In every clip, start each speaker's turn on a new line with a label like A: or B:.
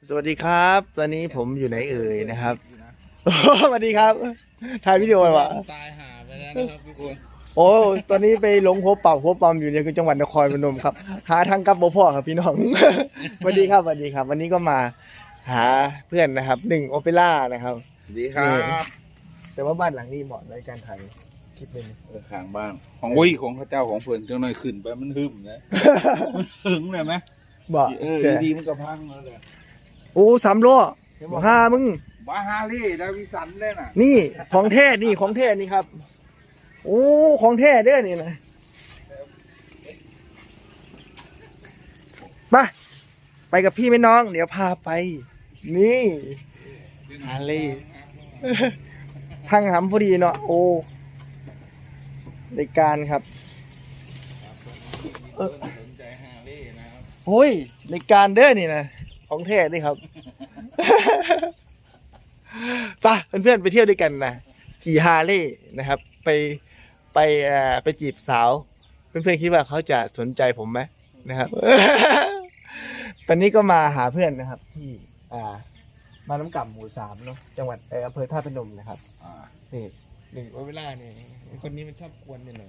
A: สวัสดีครับ ตอนนี้ผมอยู่ไหนเอ่ยนะครับสวัสดีครับถ่ายวิดีโอวะ
B: ตายหาไปแล้วนะครับทุกคน
A: โอ้ตอนนี้ไปหลงพบเป่าพบปอมอยู่ในจังหวัดนครพนมครับหาทางกลับบ่พ่อครับพี่น้องสวัสดีครับสวัสดีครับ วันนี้ก็มาหาเพื่อนนะครับ1 โอเปร่านะครับ
B: สวัสดีครับ
A: แต่ว่าบ้านหลังนี้เหมาะในการถ่ายคลิปนึง
B: ข้างบ้านของวิของพระเจ้าของเพื่อนจังหน่อยขึ้นไปมันหึมนะมันหึงเลยไหม
A: บอก
B: ดีมันก็พังแล้วเลย
A: โอ้3 ล้อพามึง
B: บาฮารี่ดาวิสันได้น่ะ
A: นี่ของแท้นี่ของแท้นี่ครับโอ้ของแท้เด้อนี่นะมาไปกับพี่ไหมน้อง เดี๋ยวพาไป นี่ฮาร์เลย์ทางหำพอดีเนาะโอ้ในการครับ
B: สนใจฮารี่นะครับ
A: โอ้ยในการเด้อนี่นะของแท้นี่ครับ ไปเพื่อนๆไปเที่ยวด้วยกันนะขี่ฮาร์เลย์นะครับ ไปจีบสาว เพื่อนๆคิดว่าเขาจะสนใจผมไหมนะครับ ตอนนี้ก็มาหาเพื่อนนะครับ ที่มาน้ำก่ำหมู่ 3เนาะจังหวัดอำเภอท่าพนมนะครับนี่เวลานี่คนนี้มันชอบกวนหน่อย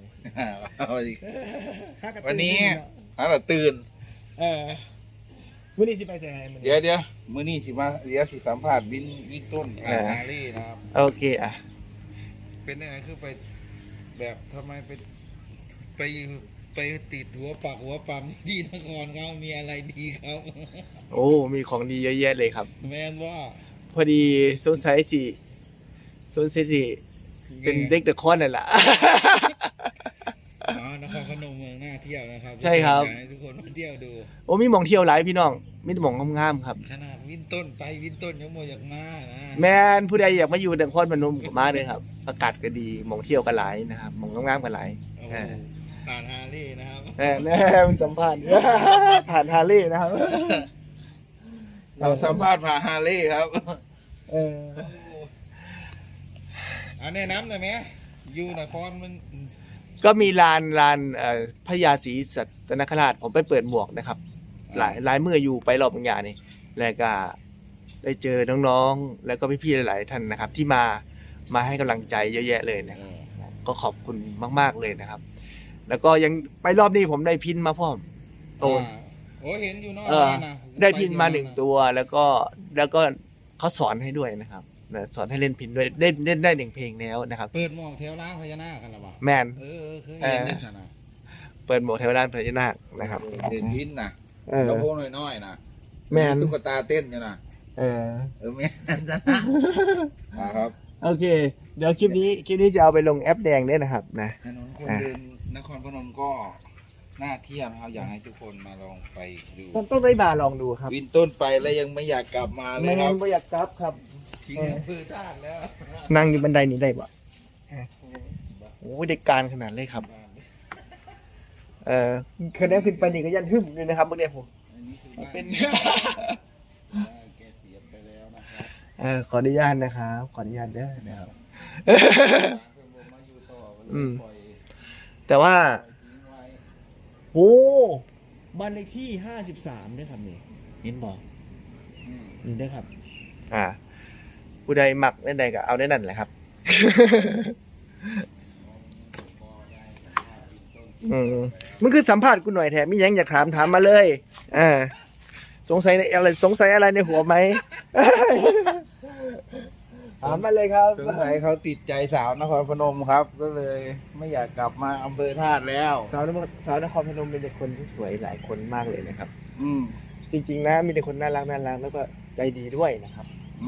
B: วันนี้เราตื่น
A: วันนี้สิไปใส่ไงมัน
B: เดี๋ยวมื้อนี้สิมาเดี๋ยวสิสัมภาษณ์วินต้นฮารี่นะครับ
A: โอเค
B: เป็นยังไงคือไปแบบทำไมไปติดหัวปักหัวปั๊มที่นครเขามีอะไรดีครับ
A: โอ้มีของดีเยอะแยะเลยครับ
B: แมนว่า
A: พอดีสงสัยสิเป็นเด็กเดอะคอนนั่นแหละ
B: นครพนมเมืองน่าเที่ยวนะครับ
A: ใช่ครับ
B: อยากให้ทุกคนมาเที่ยวดู
A: โอ้มีหม่องเที่ยวหลายพี่น้องมีแต่หม่องงามๆครับ
B: ขนาดวินต้นไปวินต้นยังโมอยากมานะ
A: แม่นผู้ใดอยากมาอยู่นครพนมก็มาเลยครับอากาศก็ดีหม่องเที่ยวก็หลายนะครับหม่องงามๆก็หลาย
B: โอ้โหผ่านฮาร์ลี่นะครับ
A: แน่มันสัมภาษณ์ ผ่านฮาร์เลย์นะครับ
B: เราสัมภาษณ์ผ่านฮาร์ลี่ครับ อันนี้น้ำหน่อยไหมอยู่นครมัน
A: ก็มีลานพญาศรีสัตนคราชผมไปเปิดหมวกนะครับ หลายเมื่ออยู่ไปรอบบางอย่างนี่แล้วก็ได้เจอน้องๆแล้วก็พี่ๆหลายๆท่านนะครับ ที่มาให้กำลังใจเยอะแยะเลยนะครับก็ขอบคุณมากๆเลยนะครับ แล้วก็ยังไปรอบนี้ผมได้พินมาพร้อมโตน
B: โอ้เห็นอยู่นอกนะ
A: ได้พินมา1 ตัวแล้วก็เขาสอนให้ด้วยนะครับสอนให้เล่นพินด้วยเล่นได้1 เพลงแล้วนะครับ
B: เปิดหมอกแถวร้านพญานาคกันหรอเปล่า
A: แมน
B: เคยเห็นได้สนะ
A: เปิดหมวกเทวดาพญานาคนะครับ
B: เห็นพินนะแล้วพวกน้อยๆนะ
A: แมน
B: ตุ๊กตาเต้นอยู่นะแม่นจะนะครับ
A: โอเค เดี๋ยวคลิปนี้จะเอาไปลงแอปแดงด้วยนะครับนะ
B: ถนนคนเดินนครพนมก็น่าเที่ยวนะครับอยากให้ทุกคนมาลองไปดู
A: ต้องได้มาลองดูครับ
B: วินต้นไปแล้วยังไม่อยากกลับมาเลย
A: ไม่
B: ค
A: งั้
B: รั
A: น
B: บ
A: ไม่อยากกลับครับ
B: ทิ้งอำเภอท่าแล้ว
A: นั่งอยู่บันไดนี้ได้ปะโอ้ยเด็กการขนาดเลยครับคะแนนขึ้นไปนี่ก็ยันหึ่มเลยนะครับเมื่อกี้ผม
B: อันนี้คือบ้าน
A: เป็น
B: แกเสียไปแล้วนะครับ
A: ขออนุญาตนะครับขออนุญาตเด้อนะครับ แต่ว่าโอ้บ้านเลขที่53ด้วยครับนี่เห็นบอกนี่ด้วยครับผู้ใดหมักได้ใดก็เอาได้นั่นแหละครับ มันคือสัมภาษณ์กูหน่อยแถมมียังอยากถามมาเลยสงสัยอะไรในหัวไหม ถามมาเลยครับ
B: สงสัยเขาติดใจสาวนครพนมครับ ก็เลยไม่อยากกลับมาอำเภอธาตุแล้ว
A: สาวนครพนมเป็นเด็กคนที่สวยหลายคนมากเลยนะครับ
B: อืม
A: จริงๆนะมีแต่คนน่ารักแล้วก็ใจดีด้วยนะครับ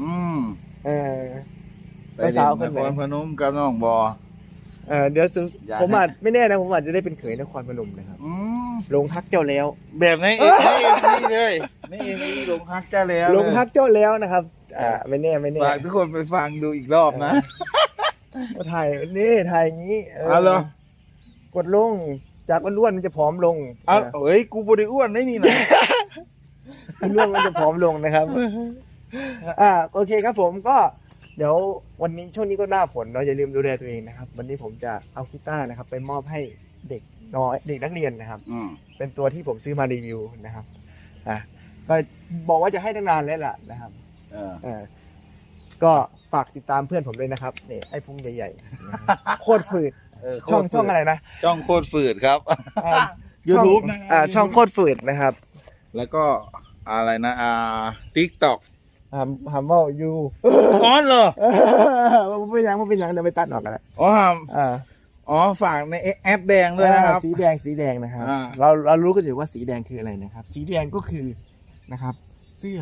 B: ไปสาวคนนครพนมกับน้องบอ
A: เดี๋ยวผมไม่แน่นะผมอาจจะได้เป็นเขยนครพนมนะครับลงฮักเจ้าแล้ว
B: แบบนี้เลยนี่ลงฮักเจ้าแล้ว
A: ลงฮักเจ้าแล้วนะครับไม่แน่
B: ฝากทุกคนไปฟังดูอีกรอบนะ
A: มาถ่ายอย่างนี้
B: เหรอก
A: ดลงจากอ้วนๆมันจะผอมลง
B: เฮ้ยกูบริอ้วนได้นี่นะ
A: อ้วนมันจะผอมลงนะครับโอเคครับผมก็เดี๋ยววันนี้ช่วงนี้ก็หน้าฝนเนาะอย่าลืมดูแลตัวเองนะครับวันนี้ผมจะเอากีตาร์นะครับไปมอบให้เด็กน้อยเด็กนักเรียนนะครับเป็นตัวที่ผมซื้อมารีวิวนะครับก็บอกว่าจะให้ตั้งนานแล้วล่ะนะครับ
B: เออ
A: เออก็ฝากติดตามเพื่อนผมด้วยนะครับนี่ไอ้พุงใหญ่ๆนะครับโคตรฝืด ช่องอะไรนะ
B: ช่องโคตรฝืดครับ
A: อ่า
B: YouTube
A: ช่อง
B: นะครับ
A: ช่องโคตรฝืดนะครับ
B: แล้วก็อะไรนะTikTok
A: หำว่าอยู่
B: อ๋อเหรอ
A: มันเป็นยังเดี๋ยวไปตัดออกกันละ
B: อ๋อ
A: อ่า
B: อ๋อฝากในแอปแดงด้วยนะครับ
A: สีแดงนะครับ
B: อ่า
A: เรารู้กันอยู่ว่าสีแดงคืออะไรนะครับ สีแดงก็คือนะครับ เสื้อ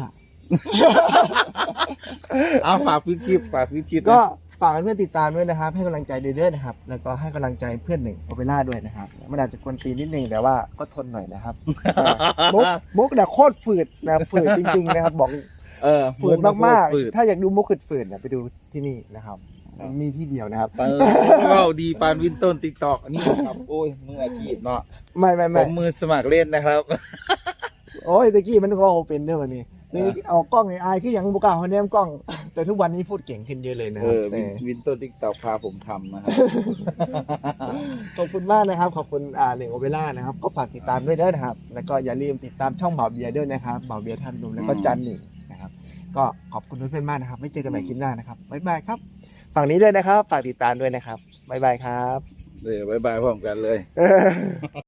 B: เอาฝากพิชิตฝากพิชิต
A: ก็ฝากเพื่อนติดตามด้วยนะครับ ให้กำลังใจเรื่อยๆนะครับ แล้วก็ให้กำลังใจเพื่อนหนึ่งโอเปร่าด้วยนะครับมันอาจจะกวนตีนนิดนึงแต่ว่าก็ทนหน่อยนะครับมุกเนี่ยโคตรฝืดนะฝืดจริงๆนะครับ บอก ฝืดมาก
B: ฝืด
A: ๆถ้าอยากดูมุกฝืดๆเนี่ยไปดูที่นี่นะครับ มีที่เดียวนะครับ
B: ก็ดีปานวินต้น TikTok นี่ครับโอ้ยมืออาชีพเนาะ
A: ไม่
B: ผมมือสมัครเล่นนะครับ
A: โอ้ยตะกี้มันก็โอเป็นเด้อวันนี้นี่เอากล้องไอ้อายคืออย่างบุกล้าเขาแนมกล้อง แต่ทุกวันนี้พูดเก่งขึ้นเยอะเลยนะครับแต่
B: วินต้น TikTok พาผมทำนะครับ
A: ขอบคุณมากนะครับ ขอบคุณหนึ่งโอเปร่านะครับ ก็ฝากติดตามด้วยนะครับ แล้วก็อย่าลืมติดตามช่องบ่าวเบียร์ด้วยนะครับบ่าวเบียร์ท่านดุมแล้วก็จันนี่นะครับ ก็ขอบคุณเพื่อนๆมากนะครับ ไม่เจอกันใหม่คลิปหน้านะครับบ๊ายบายครับ ฝั่งนี้ด้วยนะครับ ฝากติดตามด้วยนะครับบ๊ายบายครับ
B: บ๊ายบายพร้อมกันเลย